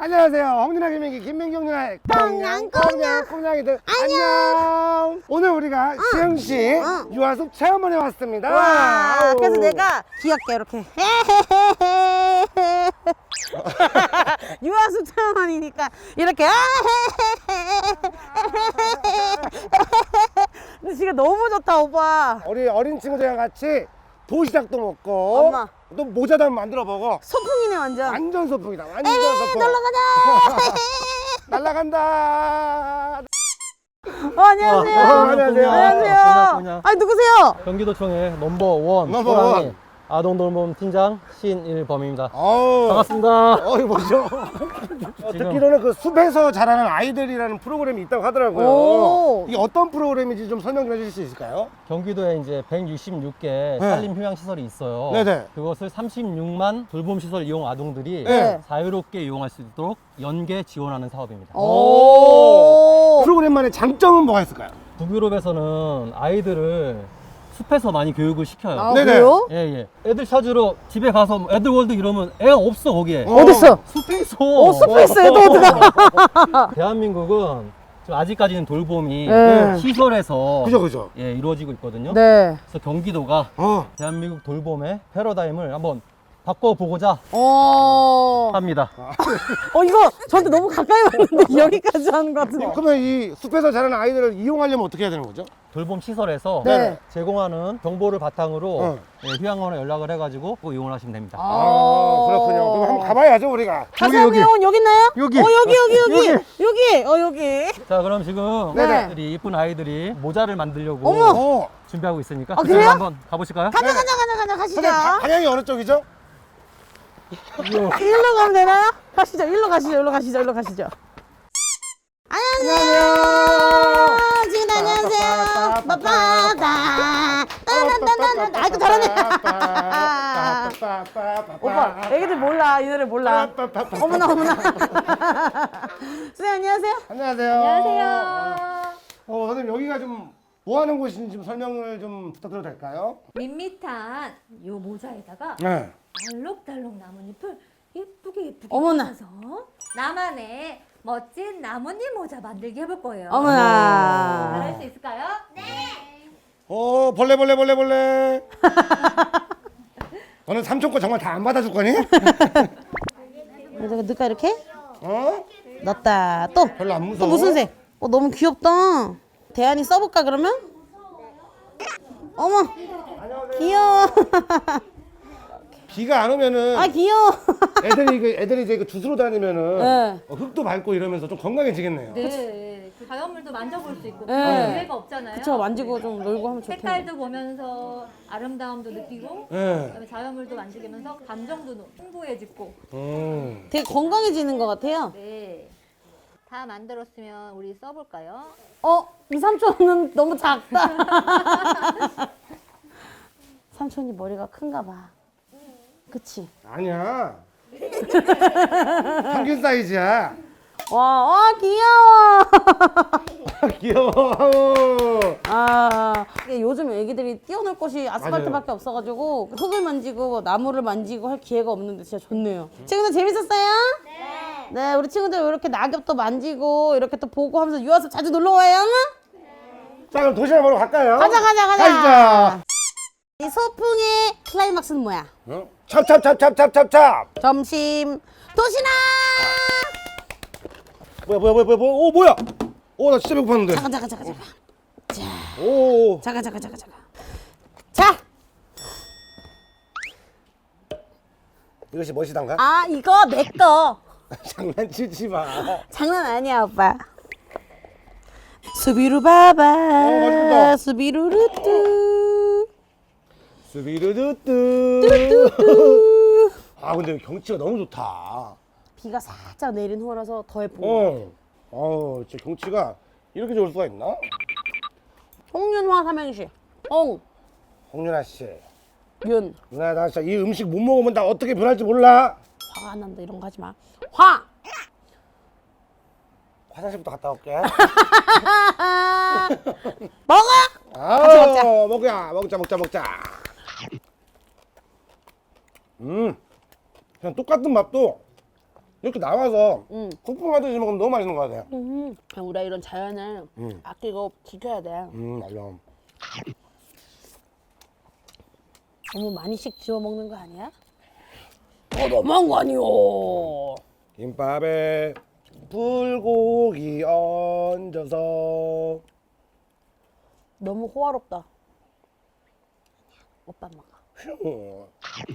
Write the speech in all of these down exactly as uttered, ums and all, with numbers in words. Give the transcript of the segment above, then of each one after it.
안녕하세요. 홍윤아 김민기 김민기 홍윤아의 꽁냥 꽁냥 꽁냥이들 안녕. 오늘 우리가 어. 시흥시 어. 유아숲 체험원에 왔습니다. 와, 아우. 그래서 내가 귀엽게 이렇게 유아숲 체험원이니까 이렇게 근데 지금 너무 좋다 오빠. 우리 어린 친구들이랑 같이 도시락도 먹고 엄마. 또 모자도 한번 만들어 보고. 소풍이네 완전. 완전 소풍이다. 완전 에이, 소풍. 놀러 가자. 날라간다. 어, 안녕하세요. 어, 안녕하세요. 안녕하세요. 아니 누구세요? 경기도청의 넘버원 넘버원. 호랑이 아동돌봄 팀장 신일범입니다. 어우. 반갑습니다. 어이 뭐죠? 어, 듣기로는 그 숲에서 자라는 아이들이라는 프로그램이 있다고 하더라고요. 오. 이게 어떤 프로그램인지 좀 설명 좀 해주실 수 있을까요? 경기도에 이제 백육십육 개 산림 휴양 시설이 있어요. 네네. 그것을 삼십육만 돌봄 시설 이용 아동들이 네. 자유롭게 이용할 수 있도록 연계 지원하는 사업입니다. 오. 프로그램만의 장점은 뭐가 있을까요? 북유럽에서는 아이들을 숲에서 많이 교육을 시켜요. 아, 네네. 그래요? 예, 예. 애들 찾으러 집에 가서 뭐 애들월드 이러면 애가 없어, 거기에. 어. 어딨어? 숲에 있어. 어, 숲에 있어 애들가. 대한민국은 지금 아직까지는 돌봄이 네. 시설에서 그죠 그죠. 예, 이루어지고 있거든요. 네. 그래서 경기도가 어. 대한민국 돌봄의 패러다임을 한번 바꿔보고자 어. 합니다. 어 이거 저한테 너무 가까이 왔는데 여기까지 하는 것 같은데. 그러면 이 숲에서 자라는 아이들을 이용하려면 어떻게 해야 되는 거죠? 돌봄 시설에서 네. 제공하는 정보를 바탕으로 어. 예, 휴양원에 연락을 해가지고 꼭 이용을 하시면 됩니다. 아, 그렇군요. 그럼 한번 가봐야죠 우리가. 자세한 내용은 여기 있나요? 여기. 어 여기 여기 여기 여기 어 여기. 자, 그럼 지금 네. 우리 이쁜 아이들이 모자를 만들려고 어머. 어. 준비하고 있으니까 아, 그래요? 한번 가보실까요? 가자 가자 가자 가자 가시죠. 근데 바- 방향이 어느 쪽이죠? 일로 가면 되나요? 가시죠. 일로 가시죠. 일로 가시죠. 일로 가시죠. 안녕하세요. 지금 안녕하세요. 빠빠다. 따란따란따란. 아이고 잘하네. 오빠, 애기들 몰라. 이 노래 몰라. 어머나 어머나. 선생님 안녕하세요. 안녕하세요. 안녕하세요. 어, 선생님 여기가 좀 뭐 하는 곳인지 좀 설명을 좀 부탁드려도 될까요? 밋밋한 요 모자에다가 네. 알록달록 나뭇잎을 예쁘게 예쁘게 어머나. 꽂아서 나만의 멋진 나뭇잎 모자 만들기 해볼 거예요. 어머나. 잘할 수 있을까요? 네. 어, 벌레 벌레 벌레 벌레. 너는 삼촌 거 정말 다 안 받아줄 거니? 여기다가 넣을까 이렇게? 어? 넣었다. 또. 별로 안 또 무서워. 무슨 색? 어 너무 귀엽다. 대안이 써볼까 그러면? 어머. 귀여워. 비가 안 오면은 아 귀여워. 애들이 그 애들이 이제 그 주스로 다니면은 네. 어, 흙도 밟고 이러면서 좀 건강해지겠네요. 네. 그 자연물도 만져볼 수 있고 네. 기회가 없잖아요. 그쵸 만지고 좀 놀고 하면 좋겠네. 색깔도 보면서 아름다움도 느끼고 네. 그다음에 자연물도 만지면서 감정도 풍부해지고. 음. 되게 건강해지는 것 같아요. 네. 다 만들었으면 우리 써볼까요? 어? 이 삼촌은 너무 작다. 삼촌이 머리가 큰가 봐. 그치? 아니야. 평균 사이즈야. 와, 와 귀여워. 귀여워. 아, 이게 요즘 애기들이 뛰어놀 곳이 아스팔트밖에 없어가지고 흙을 만지고 나무를 만지고 할 기회가 없는데 진짜 좋네요. 친구들 재밌었어요? 네. 네, 우리 친구들 이렇게 낙엽도 만지고 이렇게 또 보고 하면서 유아숲 자주 놀러 와요. 자 그럼 도시락 먹으러 갈까요? 가자, 가자, 가자. 가시죠. 이 소풍의 클라이막스는 뭐야? 어? 찹찹찹찹찹찹찹. 점심 도시락. 뭐야 뭐야 뭐야 뭐야 뭐야. 오 뭐야. 오 나 진짜 배고팠는데. 잠깐, 잠깐, 잠깐, 잠깐. 자, 오. 잠깐, 잠깐, 잠깐, 잠깐. 자, 이것이 무엇이단가? 아 이거 내 거. 장난치지 마. 장난 아니야 오빠. 수비루 바바 맛있겠다. 수비루루뚜 스비르두뚜. 뚜뚜뚜. 아 근데 경치가 너무 좋다. 비가 살짝 내린 후라서 더 예쁜 거. 어. 어, 진짜 경치가 이렇게 좋을 수가 있나? 홍윤화 삼행시. 홍, 홍윤아 씨. 윤. 누나 나 진짜 이 음식 못 먹으면 나 어떻게 변할지 몰라. 화가 안 난다 이런 거 하지 마. 화. 화장실부터 갔다 올게. 먹어. 아, 같이 먹자. 먹자. 먹자 먹자 먹자. 음. 그냥 똑같은 맛도 이렇게 나와서 응. 국뽕 하듯이 먹으면 너무 맛있는 것 같아요. 음. 우리가 이런 자연을 음. 아끼고 지켜야 돼. 음, 맞아. 너무 많이씩 지워 먹는 거 아니야? 어, 너무한 거 아니오. 김밥에 불고기 얹어서. 너무 호화롭다. 오빠 먹어. 휴.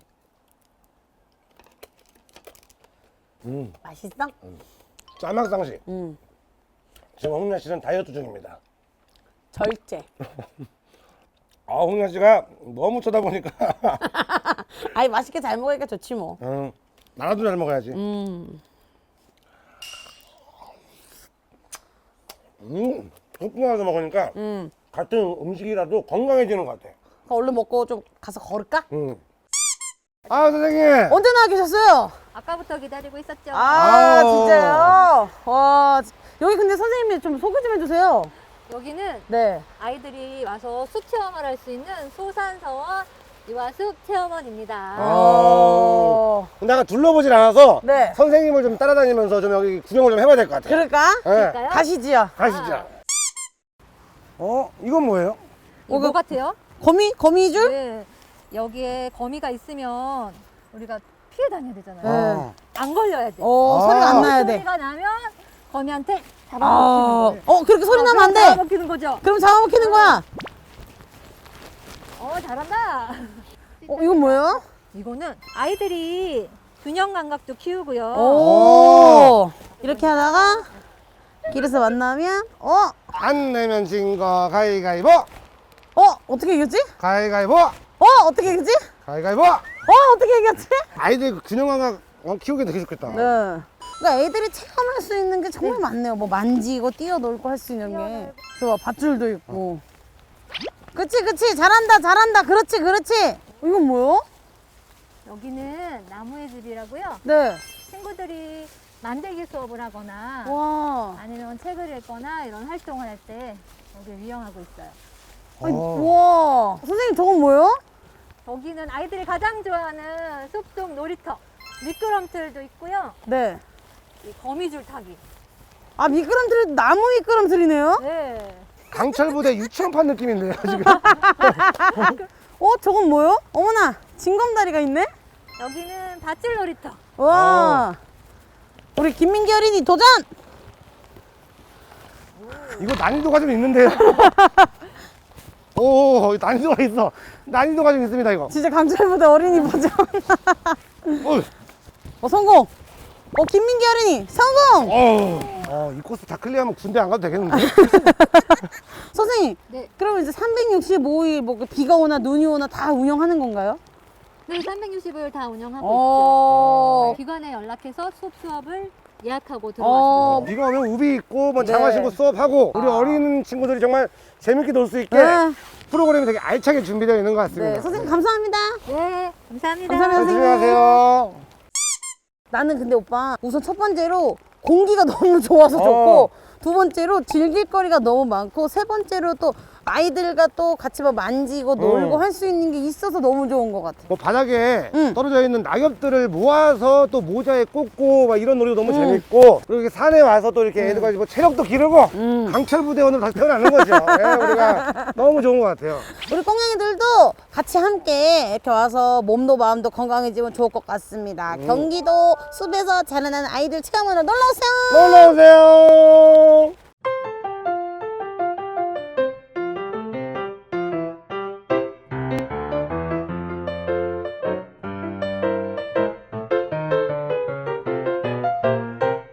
음, 맛있어? 짤막상 씨. 응. 지금 홍련 씨는 다이어트 중입니다. 절제. 아, 홍련 씨가 너무 쳐다보니까. 아이 맛있게 잘 먹으니까 좋지 뭐. 응, 나라도 잘 먹어야지. 음. 음, 국뽕 와서 먹으니까 음. 같은 음식이라도 건강해지는 것 같아. 얼른 먹고 좀 가서 걸을까? 음. 아, 선생님. 언제 나와 계셨어요? 아까부터 기다리고 있었죠. 아, 아우. 진짜요? 와, 여기 근데 선생님이 좀 소개 좀 해주세요. 여기는 네. 아이들이 와서 숲 체험을 할 수 있는 소산서원 유아숲 체험원입니다. 아. 내가 둘러보질 않아서 네. 선생님을 좀 따라다니면서 좀 여기 구경을 좀 해봐야 될 것 같아요. 그럴까? 네. 그럴까요? 가시지요. 가시죠. 어? 이건 뭐예요? 이거 뭐 같아요? 거미? 거미줄? 네. 여기에 거미가 있으면 우리가 피해 다녀야 되잖아요. 아. 안 걸려야 돼. 어, 아. 소리가 안 나야 돼. 소리가 나면 거미한테 아, 잡아먹히는 거예요. 어, 그렇게 소리 나면 안 돼. 잡아먹히는 거죠. 그럼 잡아먹히는 거야. 어, 잘한다. 어, 이건 뭐예요? 이거는 아이들이 균형 감각도 키우고요. 오. 이렇게 하다가 길에서 만나면, 어? 안 내면 진 거 가위가위보! 어? 어떻게 이겼지? 가위가위보! 어? 어떻게 이겼지? 가위가위보! 어? 어떻게 이겼지? 아이들 균형 감각 어, 키우기 되게 좋겠다. 네. 그러니까 애들이 체험할 수 있는 게 정말 많네요. 뭐 만지고 뛰어놀고 할 수 있는 게. 좋아, 밧줄도 있고. 그치, 그치. 잘한다, 잘한다. 그렇지, 그렇지. 이건 뭐요? 여기는 나무의 집이라고요. 네. 친구들이 만들기 수업을 하거나 와. 아니면 책을 읽거나 이런 활동을 할 때 여기 이용하고 있어요. 아니, 어. 와. 선생님, 저건 뭐예요? 여기는 아이들이 가장 좋아하는 숲속 놀이터. 미끄럼틀도 있고요. 네. 이 거미줄 타기. 아, 미끄럼틀, 나무 미끄럼틀이네요? 네. 강철부대 유치원판 느낌인데요, 지금. 어, 저건 뭐요? 어머나, 징검다리가 있네? 여기는 밧줄 놀이터. 와. 우리 김민기 어린이 도전! 이거 난이도가 좀 있는데요. 오, 난이도가 있어. 난이도가 좀 있습니다, 이거. 진짜 강철부대 어린이 버전. 어, 어, 성공! 어, 김민기 어린이, 성공! 어, 어, 이 코스 다 클리어하면 군대 안 가도 되겠는데? 선생님, 네. 그러면 이제 삼백육십오 일 뭐 비가 오나 눈이 오나 다 운영하는 건가요? 네, 삼백육십 일 다 운영하고 어. 있죠. 기관에 연락해서 수업 수업을 예약하고 어. 들어가시면 돼요. 비가 오면 우비 입고 뭐 네. 장화 신고 수업하고 우리 어린 친구들이 정말 재밌게 놀 수 있게 네. 프로그램이 되게 알차게 준비되어 있는 것 같습니다. 네, 선생님 감사합니다. 네, 감사합니다. 감사합니다. 조심히 가세요. 나는 근데 오빠 우선 첫 번째로 공기가 너무 좋아서 어. 좋고 두 번째로 즐길 거리가 너무 많고 세 번째로 또 아이들과 또 같이 막 만지고 놀고 음. 할 수 있는 게 있어서 너무 좋은 것 같아. 뭐 바닥에 응. 떨어져 있는 낙엽들을 모아서 또 모자에 꽂고 막 이런 놀이도 너무 응. 재밌고 그리고 이렇게 산에 와서 또 이렇게 애들과 뭐 체력도 기르고 응. 강철부대원으로 다시 태어나는 거죠. 예, 우리가 너무 좋은 것 같아요. 우리 꽁냥이들도 같이 함께 이렇게 와서 몸도 마음도 건강해지면 좋을 것 같습니다. 경기도 숲에서 자라나는 아이들 체험으로 놀러 오세요. 놀러 오세요.